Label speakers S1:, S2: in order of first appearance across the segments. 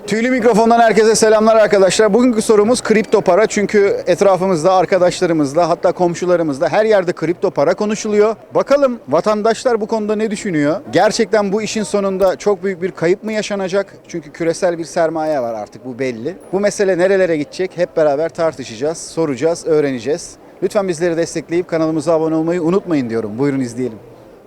S1: Tüylü mikrofondan herkese selamlar arkadaşlar. Bugünkü sorumuz kripto para. Çünkü etrafımızda, arkadaşlarımızda, hatta komşularımızda her yerde kripto para konuşuluyor. Bakalım vatandaşlar bu konuda ne düşünüyor? Gerçekten bu işin sonunda çok büyük bir kayıp mı yaşanacak? Çünkü küresel bir sermaye var artık, bu belli. Bu mesele nerelere gidecek? Hep beraber tartışacağız, soracağız, öğreneceğiz. Lütfen bizleri destekleyip kanalımıza abone olmayı unutmayın diyorum. Buyurun izleyelim.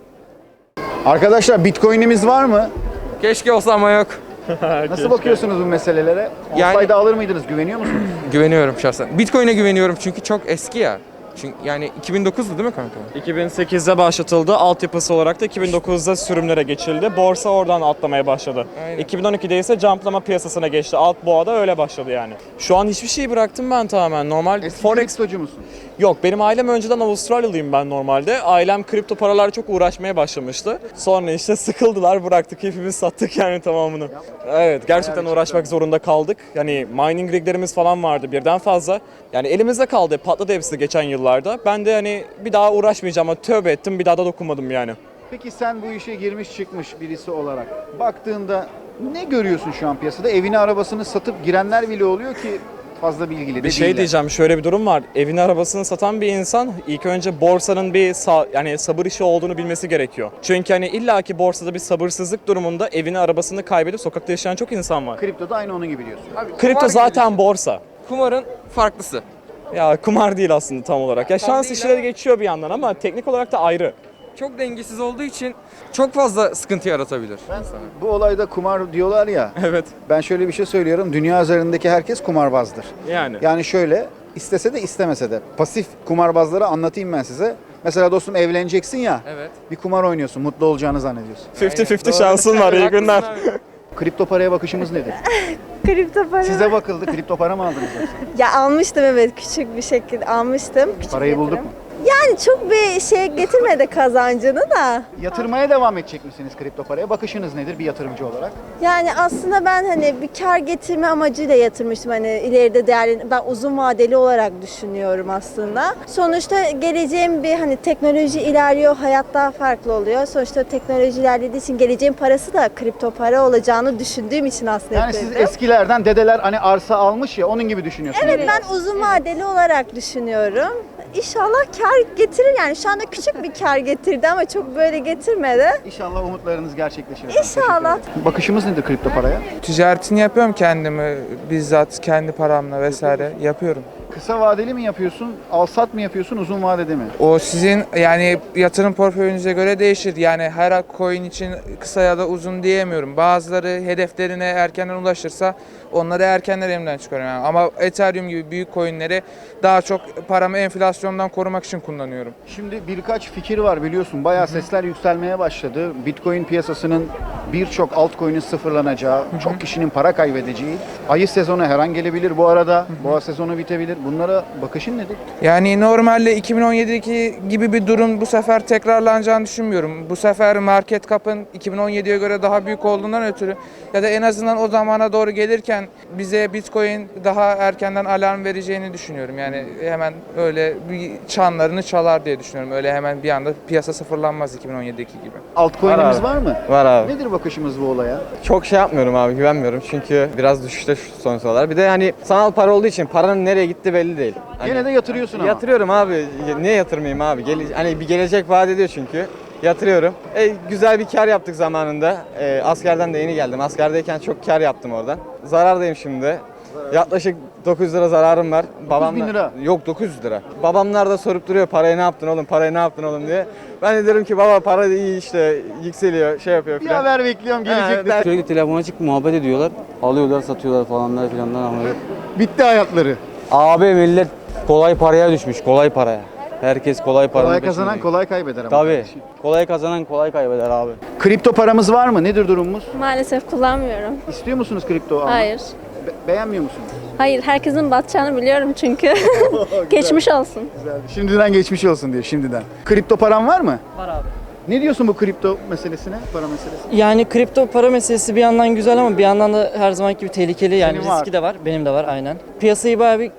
S1: Arkadaşlar Bitcoin'imiz var mı?
S2: Keşke olsa ama yok.
S1: Nasıl bakıyorsunuz bu meselelere?
S2: Yani-
S1: Olsaydı alır mıydınız? Güveniyor musunuz?
S2: Güveniyorum şahsen. Bitcoin'e güveniyorum çünkü çok eski ya. Çünkü yani 2009'du değil mi kanka?
S3: 2008'de başlatıldı. Altyapısı olarak da 2009'da sürümlere geçildi. Borsa oradan atlamaya başladı.
S2: Aynen.
S3: 2012'de ise jumplama piyasasına geçti. Alt boğada öyle başladı yani. Şu an hiçbir şeyi bıraktım ben tamamen. Normal
S1: Eski
S3: Forex
S1: kriptocu musun?
S3: yok. Benim ailem önceden Avustralyalıyım ben normalde. Ailem kripto paralarla çok uğraşmaya başlamıştı. Sonra işte sıkıldılar, bıraktık. Hepimiz sattık yani tamamını. Evet, gerçekten uğraşmak zorunda kaldık. Yani mining riglerimiz falan vardı birden fazla. Yani elimizde kaldı. Patladı hepsi geçen yıllarda. Ben de hani bir daha uğraşmayacağım ama tövbe ettim. Bir daha da dokunmadım yani.
S1: Peki sen bu işe girmiş çıkmış birisi olarak baktığında ne görüyorsun şu an piyasada? Evini arabasını satıp girenler bile oluyor ki fazla bilgili de
S3: Bir şey
S1: değiller.
S3: diyeceğim, şöyle bir durum var. Evini arabasını satan bir insan ilk önce borsanın bir yani sabır işi olduğunu bilmesi gerekiyor. Çünkü hani illaki borsada bir sabırsızlık durumunda evini arabasını kaybedip sokakta yaşayan çok insan var.
S1: Kriptoda aynı onun gibi diyorsun.
S2: Abi,
S3: Kripto
S2: kumar
S3: zaten
S2: gibi
S3: borsa.
S2: düşün. Kumarın farklısı.
S3: Ya kumar değil aslında tam olarak. Ya şans
S2: değil
S3: işleri
S2: ama-
S3: geçiyor bir yandan ama teknik olarak da ayrı.
S2: Çok dengesiz olduğu için çok fazla sıkıntı yaratabilir.
S1: Bu olayda kumar diyorlar ya.
S3: Evet.
S1: Ben şöyle bir şey söylüyorum. Dünya üzerindeki herkes kumarbazdır.
S3: Yani.
S1: Yani şöyle istese de istemese de pasif kumarbazları anlatayım ben size. Mesela dostum evleneceksin ya.
S2: Evet.
S1: Bir kumar oynuyorsun. Mutlu olacağını zannediyorsun.
S3: 50-50 şansın var, iyi günler.
S2: Haklısın abi.
S1: Kripto paraya bakışımız nedir?
S4: Kripto para.
S1: Size bakıldı. Kripto para mı aldınız yoksa?
S4: Ya almıştım, evet, küçük bir şekilde almıştım. Küçük
S1: Parayı bulduk
S4: yatırım.
S1: mu?
S4: Yani çok bir şey getirmedi kazancını da.
S1: Yatırmaya devam edecek misiniz kripto paraya? Bakışınız nedir bir yatırımcı olarak?
S4: Yani aslında ben hani bir kar getirme amacıyla yatırmıştım. Hani ileride değerli, ben uzun vadeli olarak düşünüyorum aslında. Sonuçta geleceğim bir hani teknoloji ilerliyor, hayat daha farklı oluyor. Sonuçta teknoloji ilerlediği için geleceğin parası da kripto para olacağını düşündüğüm için aslında
S1: Yani siz
S4: yapıyorum.
S1: eskilerden dedeler hani arsa almış ya onun gibi düşünüyorsunuz.
S4: Evet, ben uzun vadeli olarak düşünüyorum. İnşallah kar getirir, yani şu anda küçük bir kar getirdi ama çok böyle getirmedi.
S1: İnşallah umutlarınız gerçekleşir.
S4: İnşallah.
S1: Teşekkür ederim. Bakışımız nedir kripto paraya?
S5: Ticaretini yapıyorum kendimi bizzat kendi paramla vesaire yapıyorum.
S1: Kısa vadeli mi yapıyorsun, al sat mı yapıyorsun, uzun vadede mi?
S5: O sizin yani yatırım portföyünüze göre değişir. Yani her coin için kısa ya da uzun diyemiyorum. Bazıları hedeflerine erkenden ulaşırsa onları erkenden elimden çıkarıyorum. Yani. Ama Ethereum gibi büyük coinleri daha çok paramı enflasyondan korumak için kullanıyorum.
S1: Şimdi birkaç fikir var biliyorsun. Bayağı sesler yükselmeye başladı. Bitcoin piyasasının birçok altcoin'in sıfırlanacağı, çok kişinin para kaybedeceği. Ayı sezonu her an gelebilir bu arada. Boğa sezonu bitebilir. Bunlara bakışın nedir?
S5: Yani normalde 2017'deki gibi bir durum bu sefer tekrarlanacağını düşünmüyorum. Bu sefer market cap'ın 2017'ye göre daha büyük olduğundan ötürü ya da en azından o zamana doğru gelirken bize Bitcoin daha erkenden alarm vereceğini düşünüyorum. Yani hemen öyle bir çanlarını çalar diye düşünüyorum. Öyle hemen bir anda piyasa sıfırlanmaz 2017'deki gibi.
S1: Altcoin'imiz var mı?
S6: Var abi.
S1: Nedir bakışımız bu olaya?
S6: Çok şey yapmıyorum abi, güvenmiyorum çünkü biraz düşüşte şu son sıralar. Bir de hani sanal para olduğu için paranın nereye gitti belli değil. Hani
S1: Gene de yatırıyorsun ama.
S6: yatırıyorum abi. Niye yatırmayayım abi? Hani bir gelecek vaat ediyor çünkü. Yatırıyorum. Güzel bir kar yaptık zamanında. Askerden de yeni geldim. Askerdeyken çok kar yaptım oradan. Zarardayım şimdi. Yaklaşık 900 lira zararım var.
S1: 9.000 lira?
S6: Yok, 900 lira. Babamlar da sorup duruyor parayı ne yaptın oğlum, parayı ne yaptın oğlum diye. Ben de diyorum ki baba para iyi işte, yükseliyor, şey yapıyor
S1: Bir
S6: falan.
S1: haber bekliyorum gelecek.
S7: Sürekli telefona açıp muhabbet ediyorlar. Alıyorlar, satıyorlar falanlar filanlar ama.
S1: Bitti hayatları.
S7: Abi millet kolay paraya düşmüş, kolay paraya. Herkes kolay paranın
S1: Kolay kazanan
S7: peşinde.
S1: kolay kaybeder ama.
S7: Tabii. Kolay kazanan kolay kaybeder abi.
S1: Kripto paramız var mı? Nedir durumumuz?
S8: Maalesef kullanmıyorum.
S1: İstiyor musunuz kripto almak?
S8: Hayır.
S1: Beğenmiyor musunuz?
S8: Hayır, herkesin batacağını biliyorum çünkü. Geçmiş olsun.
S1: Güzel. Şimdiden geçmiş olsun diyor şimdiden. Kripto paran var mı?
S9: Var abi.
S1: Ne diyorsun bu kripto meselesine, para meselesine?
S9: Yani kripto para meselesi bir yandan güzel ama bir yandan da her zamanki gibi tehlikeli. Yani
S1: Senin var.
S9: riski de var. Benim de var aynen. Piyasayı bayağı bir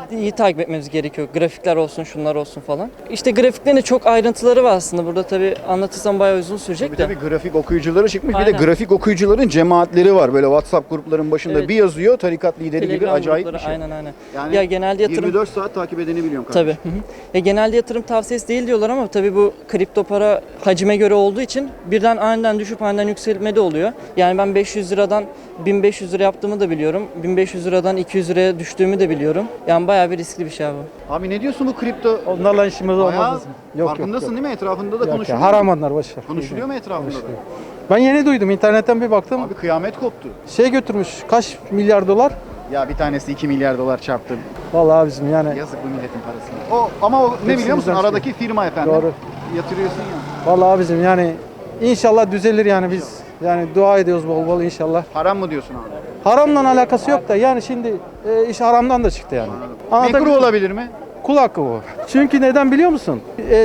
S9: iyi takip etmemiz gerekiyor. Grafikler olsun, şunlar olsun falan. İşte grafiklerin de çok ayrıntıları var aslında. Burada tabii anlatırsam bayağı uzun sürecek de.
S1: Tabii grafik okuyucuları çıkmış. Bir de
S9: Aynen.
S1: grafik okuyucuların cemaatleri var. Böyle WhatsApp grupların başında
S9: Evet.
S1: bir yazıyor. Tarikat lideri gibi
S9: Telegram
S1: acayip bir
S9: grupları,
S1: şey.
S9: Aynen.
S1: Yani
S9: Ya genelde yatırım
S1: 24 saat takip edeni biliyorum kardeşim.
S9: tabii. Hı hı. Ya genelde yatırım tavsiyesi değil diyorlar ama tabii bu kripto para hacime göre olduğu için birden aniden düşüp aniden yükselme de oluyor. Yani ben 500 liradan 1500 lira yaptığımı da biliyorum. 1500 liradan 200 liraya düştüğümü de biliyorum. Yani bayağı bir riskli bir şey abi.
S1: Abi ne diyorsun bu kripto?
S10: Onlarla işimiz
S1: Bayağı
S10: olmaz bizim. Yok
S1: farkındasın
S10: yok.
S1: değil mi? Etrafında da
S10: Yok
S1: konuşuluyor.
S10: ya, haram onlar boş ver.
S1: Konuşuluyor mu etrafında da?
S10: Ben yeni duydum, internetten bir baktım.
S1: Abi kıyamet koptu.
S10: Şey götürmüş, kaç milyar dolar?
S1: Ya bir tanesi 2 milyar dolar çarptı.
S10: Vallahi abicim yani.
S1: Yazık bu milletin parasını. Ama o ne biliyor musun?
S10: Hepsimizden
S1: Aradaki firma efendim.
S10: Doğru.
S1: Yatırıyorsun ya.
S10: Vallahi abicim yani inşallah düzelir yani biz. Yani dua ediyoruz bol bol inşallah.
S1: Haram mı diyorsun abi?
S10: Haramla alakası yok da yani şimdi iş haramdan da çıktı yani.
S1: Mekruh olabilir mi?
S10: Kul hakkı bu. Çünkü neden biliyor musun?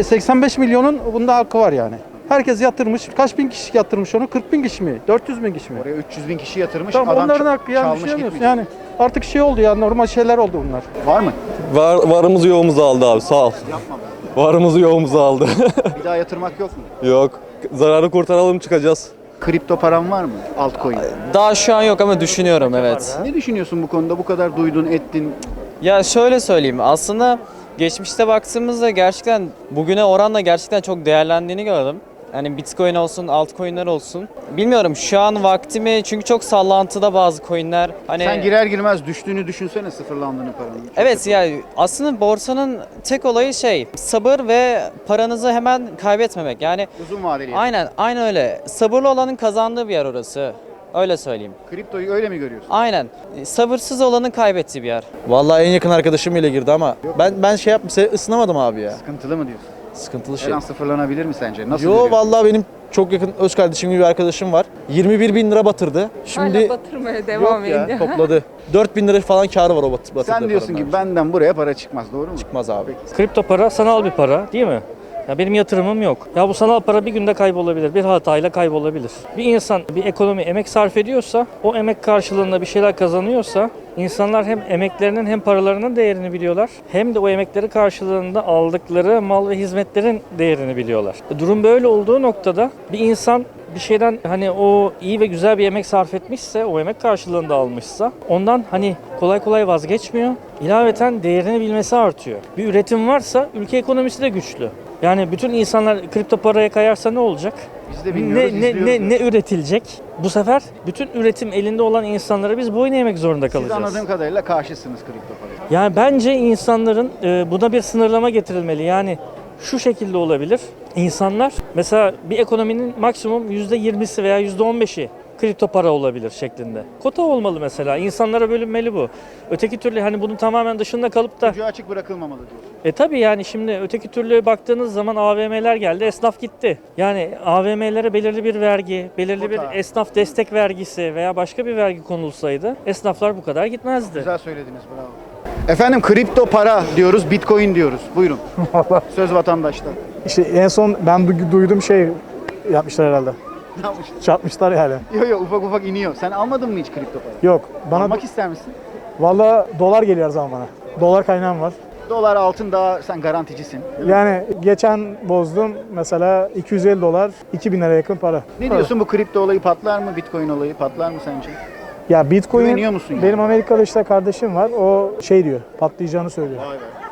S10: 85 milyonun bunda hakkı var yani. Herkes yatırmış. Kaç bin kişi yatırmış onu? 40 bin kişi mi? 400 bin kişi mi?
S1: Oraya 300 bin kişi yatırmış.
S10: Tamam,
S1: adam
S10: onların hakkı yani
S1: çalmış
S10: düşünemiyorsun.
S1: gitmiş.
S10: Yani artık şey oldu ya, normal şeyler oldu bunlar.
S1: Var mı?
S11: Varımızı yoğumuzu aldı abi, sağ ol.
S1: Yapma be.
S11: Varımızı yoğumuzu aldı.
S1: Bir daha yatırmak yok mu?
S11: Yok. Zararı kurtaralım, çıkacağız.
S1: Kripto param var mı? Altcoin.
S12: Daha şu an yok ama düşünüyorum, evet.
S1: Ne düşünüyorsun bu konuda? Bu kadar duydun, ettin.
S12: Ya şöyle söyleyeyim, aslında geçmişte baktığımızda gerçekten bugüne oranla gerçekten çok değerlendiğini gördüm. Hani Bitcoin olsun, altcoin'ler olsun. Bilmiyorum şu an vaktimi, çünkü çok sallantıda bazı coin'ler. Hani
S1: Sen girer girmez düştüğünü düşünsene, sıfırlandığını paranın. Çok
S12: evet
S1: kötü.
S12: yani aslında borsanın tek olayı sabır ve paranızı hemen kaybetmemek. Yani
S1: Uzun vadeli.
S12: aynen öyle. Sabırlı olanın kazandığı bir yer orası. Öyle söyleyeyim.
S1: Kriptoyu öyle mi görüyorsun?
S12: Aynen. Sabırsız olanın kaybettiği bir yer.
S7: Vallahi en yakın arkadaşım ile girdi ama ben şey ısınamadım abi ya.
S1: Sıkıntılı mı diyorsun?
S7: Sıkıntılı
S1: Her
S7: şey.
S1: an sıfırlanabilir mi sence? Nasıl
S7: Yo
S1: görüyorsun?
S7: vallahi benim çok yakın öz kardeşim gibi bir arkadaşım var. 21 bin lira batırdı. Şimdi
S8: batırmaya
S7: yok ya, topladı. 4 bin lira falan karı var o batırdığı
S1: Sen diyorsun
S7: paranın
S1: ki
S7: abi.
S1: benden buraya para çıkmaz, doğru mu?
S7: Çıkmaz abi.
S13: Kripto para sanal bir para değil mi? Ya benim yatırımım yok. Ya bu sanal para bir günde kaybolabilir, bir hatayla kaybolabilir. Bir insan bir ekonomi emek sarf ediyorsa, o emek karşılığında bir şeyler kazanıyorsa, insanlar hem emeklerinin hem paralarının değerini biliyorlar, hem de o emekleri karşılığında aldıkları mal ve hizmetlerin değerini biliyorlar. Durum böyle olduğu noktada bir insan bir şeyden hani o iyi ve güzel bir emek sarf etmişse, o emek karşılığında almışsa ondan hani kolay kolay vazgeçmiyor. İlaveten değerini bilmesi artıyor. Bir üretim varsa ülke ekonomisi de güçlü. Yani bütün insanlar kripto paraya kayarsa ne olacak?
S1: Biz de bilmiyoruz,
S13: Ne üretilecek? Bu sefer bütün üretim elinde olan insanlara biz boyun eğmek zorunda
S1: Siz
S13: kalacağız.
S1: anladığım kadarıyla karşısınız kripto paraya.
S13: Yani bence insanların buna bir sınırlama getirilmeli. Yani şu şekilde olabilir. İnsanlar mesela bir ekonominin maksimum %20'si veya %15'i kripto para olabilir şeklinde. Kota olmalı mesela. İnsanlara bölünmeli bu. Öteki türlü hani bunun tamamen dışında kalıp da
S1: Ucu açık bırakılmamalı diyorsun.
S13: tabii yani şimdi öteki türlü baktığınız zaman AVM'ler geldi, esnaf gitti. Yani AVM'lere belirli bir vergi, belirli bir
S1: Kota.
S13: esnaf destek vergisi veya başka bir vergi konulsaydı esnaflar bu kadar gitmezdi.
S1: Güzel söylediniz, bravo. Efendim kripto para diyoruz, bitcoin diyoruz. Buyurun. Söz vatandaştan.
S10: İşte en son ben duydum şey yapmışlar herhalde.
S1: Ne yapmışsın?
S10: Çarpmışlar yani.
S1: Yok ufak ufak iniyor. Sen almadın mı hiç kripto para?
S10: Yok.
S1: Almak ister misin?
S10: Valla dolar geliyor her zaman bana. Dolar kaynağım var.
S1: Dolar, altın daha sen garanticisin. değil mi?
S10: Yani geçen bozdum mesela 250 dolar 2000 liraya yakın para.
S1: Ne diyorsun, bu kripto olayı patlar mı? Bitcoin olayı patlar mı sence?
S10: Ya Bitcoin
S1: Güveniyor musun yani?
S10: benim Amerika'da işte kardeşim var. O şey diyor, patlayacağını söylüyor.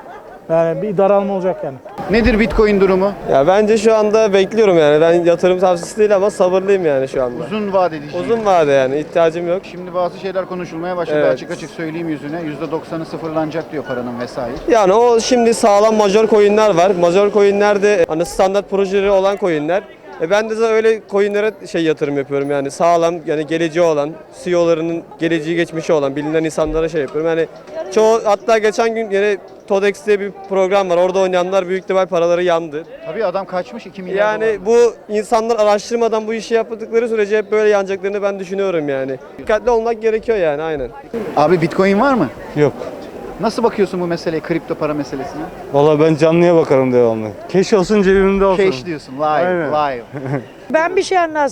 S10: Yani bir daralma olacak yani.
S1: Nedir bitcoin durumu?
S11: Ya bence şu anda bekliyorum yani. Ben yatırım tavsiyesi değil ama sabırlıyım yani şu anda.
S1: Uzun vadeli.
S11: Uzun vade yani, ihtiyacım yok.
S1: Şimdi bazı şeyler konuşulmaya başladı.
S11: Evet.
S1: Açık açık söyleyeyim yüzüne. %90'ı sıfırlanacak diyor paranın vesaire.
S11: Yani o şimdi sağlam major coin'ler var. Major coin'ler de hani standart projeleri olan coin'ler. Ben de zaten öyle coin'lere yatırım yapıyorum yani sağlam, yani geleceği olan, CEO'larının geleceği geçmişi olan bilinen insanlara yapıyorum. Yani çoğu, hatta geçen gün yine TODEX diye bir program var. Orada oynayanlar büyük ihtimal paraları yandı.
S1: Tabii adam kaçmış 2 milyar
S11: Yani bu insanlar araştırmadan bu işi yaptıkları sürece hep böyle yanacaklarını ben düşünüyorum yani. Dikkatli olmak gerekiyor yani, aynen.
S1: Abi bitcoin var mı?
S10: Yok.
S1: Nasıl bakıyorsun bu meseleye, kripto para meselesine?
S10: Valla ben canlıya bakarım devamlı. Keş olsun cebimde olsun.
S1: Cash diyorsun, live,
S10: Aynen.
S1: live.
S14: Ben bir şey anlatsam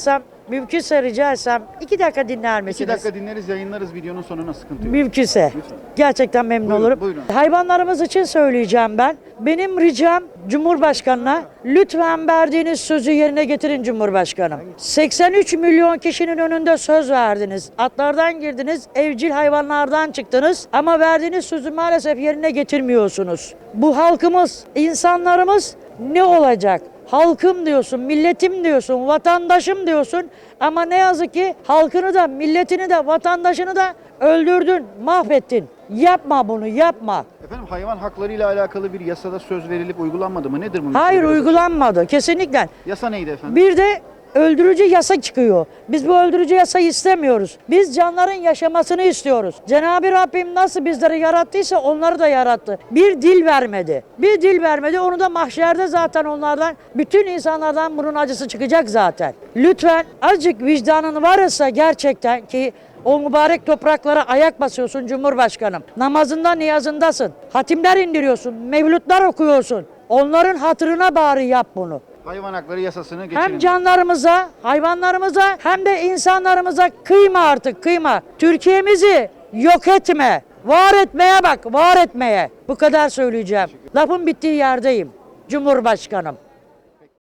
S14: Mümkünse rica etsem 2 dakika dinler
S1: 2
S14: misiniz?
S1: dakika dinleriz, yayınlarız videonun sonuna, sıkıntı yok.
S14: Mümkünse. Gerçekten memnun
S1: Buyurun,
S14: olurum.
S1: buyurun.
S14: Hayvanlarımız için söyleyeceğim ben. Benim ricam Cumhurbaşkanı'na lütfen verdiğiniz sözü yerine getirin Cumhurbaşkanım. 83 milyon kişinin önünde söz verdiniz. Atlardan girdiniz, evcil hayvanlardan çıktınız ama verdiğiniz sözü maalesef yerine getirmiyorsunuz. Bu halkımız, insanlarımız ne olacak? Halkım diyorsun, milletim diyorsun, vatandaşım diyorsun ama ne yazık ki halkını da, milletini de, vatandaşını da öldürdün, mahvettin. Yapma bunu, yapma.
S1: Efendim, hayvan hakları ile alakalı bir yasada söz verilip uygulanmadı mı? Nedir bunun?
S14: Hayır,
S1: Biraz-
S14: uygulanmadı kesinlikle.
S1: Yasa neydi efendim?
S14: Bir de öldürücü yasa çıkıyor. Biz bu öldürücü yasayı istemiyoruz. Biz canların yaşamasını istiyoruz. Cenab-ı Rabbim nasıl bizleri yarattıysa onları da yarattı. Bir dil vermedi. Bir dil vermedi. Onu da mahşerde zaten onlardan, bütün insanlardan bunun acısı çıkacak zaten. Lütfen azıcık vicdanın varsa gerçekten ki o mübarek topraklara ayak basıyorsun Cumhurbaşkanım. Namazında, niyazındasın. Hatimler indiriyorsun, mevlütler okuyorsun. Onların hatırına bari yap bunu.
S1: Hayvan hakları yasasını geçirin.
S14: Hem canlarımıza, hayvanlarımıza hem de insanlarımıza kıyma artık, kıyma. Türkiye'mizi yok etme. Var etmeye bak, var etmeye. Bu kadar söyleyeceğim. Lafın bittiği yerdeyim Cumhurbaşkanım.